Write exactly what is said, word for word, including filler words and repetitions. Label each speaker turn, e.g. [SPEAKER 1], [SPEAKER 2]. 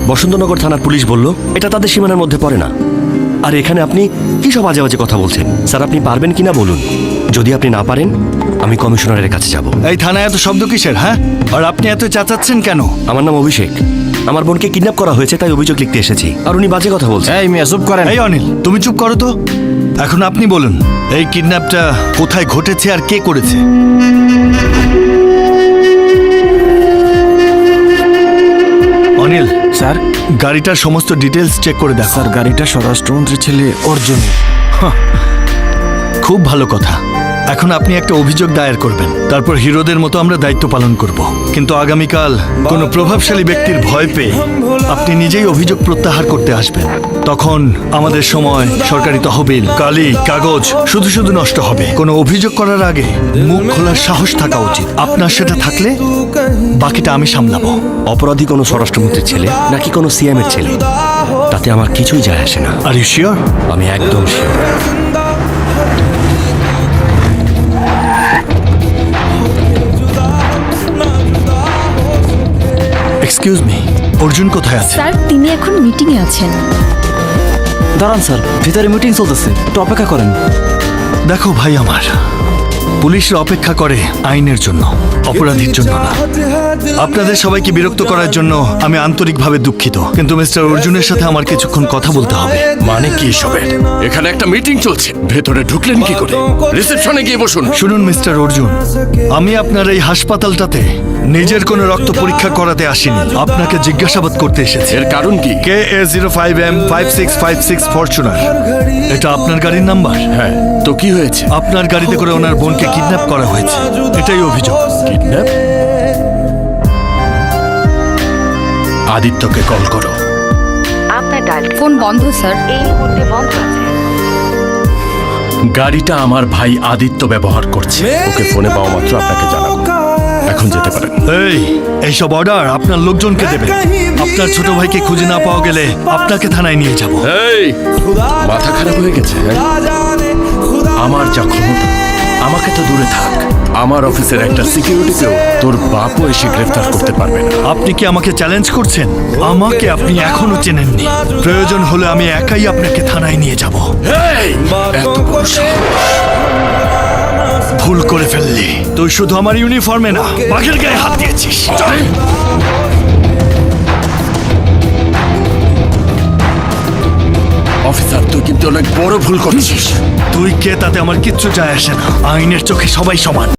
[SPEAKER 1] বসন্তনগর থানার পুলিশ বলল এটা তাদের সীমানার মধ্যে পড়ে না। আর এখানে আপনি কি সব আজে বাজে কথা বলছেন? স্যার, আপনি পারবেন কিনা বলুন। যদি আপনি না পারেন, আমি কমিশনারের কাছে যাব।
[SPEAKER 2] এই থানায় এত শব্দ কিসের? হ্যাঁ, আর আপনি এত চেঁচাচ্ছেন কেন?
[SPEAKER 1] আমার নাম অভিষেক। আমার বোনকে কিডন্যাপ করা হয়েছে, তাই অভিযোগ লিখতে এসেছি। আর উনি বাজে কথা বলছেন।
[SPEAKER 3] এই মিয়া চুপ করেন।
[SPEAKER 2] এই অনিল, তুমি চুপ করো তো। এখন আপনি বলুন, এই কিডন্যাপটা কোথায় ঘটেছে আর কে করেছে? অনিল
[SPEAKER 3] স্যার,
[SPEAKER 2] গাড়িটার সমস্ত ডিটেলস চেক করে দেখো।
[SPEAKER 3] স্যার গাড়িটা স্বরাষ্ট্রমন্ত্রীর ছেলে অর্জুন।
[SPEAKER 2] খুব ভালো কথা। এখন আপনি একটা অভিযোগ দায়ের করবেন, তারপর হিরোদের মতো আমরা দায়িত্ব পালন করব। কিন্তু আগামীকাল কোনো প্রভাবশালী ব্যক্তির ভয় পেয়ে আপনি নিজেই অভিযোগ প্রত্যাহার করতে আসবেন। তখন আমাদের সময়, সরকারি তহবিল, কালি, কাগজ শুধু শুধু নষ্ট হবে। কোনো অভিযোগ করার আগে মুখ খোলার সাহস থাকা উচিত। আপনার সেটা থাকলে বাকিটা আমি সামলাবো।
[SPEAKER 1] অপরাধী কোনো স্বরাষ্ট্রমন্ত্রীর ছেলে নাকি কোনো সিএম এর ছেলে, তাতে আমার কিছুই যায় আসে না।
[SPEAKER 2] Are you sure?
[SPEAKER 1] আমি একদম শিওর।
[SPEAKER 2] এক্সকিউজ মি, অর্জুন কোথায় আছে?
[SPEAKER 4] স্যার, তিনি এখন মিটিংয়ে আছেন।
[SPEAKER 3] দাঁড়ান স্যার, ভিতরে মিটিং চলতেছে, একটু অপেক্ষা করেন।
[SPEAKER 2] দেখো ভাই আমার, পুলিশরা অপেক্ষা করে আইনের জন্য, অপরাধীর জন্য না। আপনাদের সবাইকে বিরক্ত করার জন্য আমি আন্তরিকভাবে দুঃখিত, কিন্তু মিস্টার অর্জুনের সাথে আমার কিছুক্ষণ কথা বলতে হবে।
[SPEAKER 5] মানে কি এসবের? এখানে একটা মিটিং চলছে, ভেতরে ঢুকলেন কি করে? রিসেপশনে গিয়ে বসুন।
[SPEAKER 2] শুনুন মিস্টার অর্জুন, আমি আপনার এই হাসপাতালটাতে নিজের কোনো রক্ত পরীক্ষা করাতে আসিনি, আপনাকে জিজ্ঞাসাবাদ করতে এসেছি।
[SPEAKER 5] এর কারণ কি?
[SPEAKER 2] K A zero five M five six five six Fortuner, এটা আপনার গাড়ির নাম্বার?
[SPEAKER 5] হ্যাঁ, তো কি হয়েছে?
[SPEAKER 2] আপনার গাড়িতে করে ওনার বোনকে কিডন্যাপ করা হয়েছে, এটাই অভিযোগ।
[SPEAKER 5] কিডন্যাপ? আদিত্যকে কল করো।
[SPEAKER 6] আপনার ডায়াল
[SPEAKER 4] ফোন বন্ধ স্যার।
[SPEAKER 6] এই মুহূর্তে বন্ধ আছে।
[SPEAKER 5] গাড়িটা আমার ভাই আদিত্য ব্যবহার করছে। ওকে ফোনে পাওয়া মাত্র আপনাকে জানাবো। এখন যেতে পারেন।
[SPEAKER 2] এই এইসব অর্ডার আপনার লোকজনকে দেবেন। আপনার ছোট ভাইকে খুঁজে না পাওয়া গেলে আপনাকে থানায় নিয়ে যাব।
[SPEAKER 5] এই, মাথা খারাপ হয়ে গেছে? হ্যাঁ? আমার যা ক্ষমতা, আমাকে তো দূরে থাক, আমার অফিসের একটা সিকিউরিটিকেও তোর বাপও এসে গ্রেফতার করতে পারবে না।
[SPEAKER 2] আপনি কি আমাকে চ্যালেঞ্জ করছেন? আমাকে আপনি এখনো চেনেননি। প্রয়োজন হলে আমি একাই আপনাকে থানায় নিয়ে যাব।
[SPEAKER 5] এই, এত বড় সাহস!
[SPEAKER 2] ভুল করে ফেললি। তুই শুধু আমার ইউনিফর্মে না, বাঘের গায়ে হাত দিয়েছিস।
[SPEAKER 5] অফিসার, তুই কিন্তু অনেক বড় ভুল করেছিস।
[SPEAKER 2] তুই কে তাতে আমার কিচ্ছু যায় আসে না। আইনের চোখে সবাই সমান।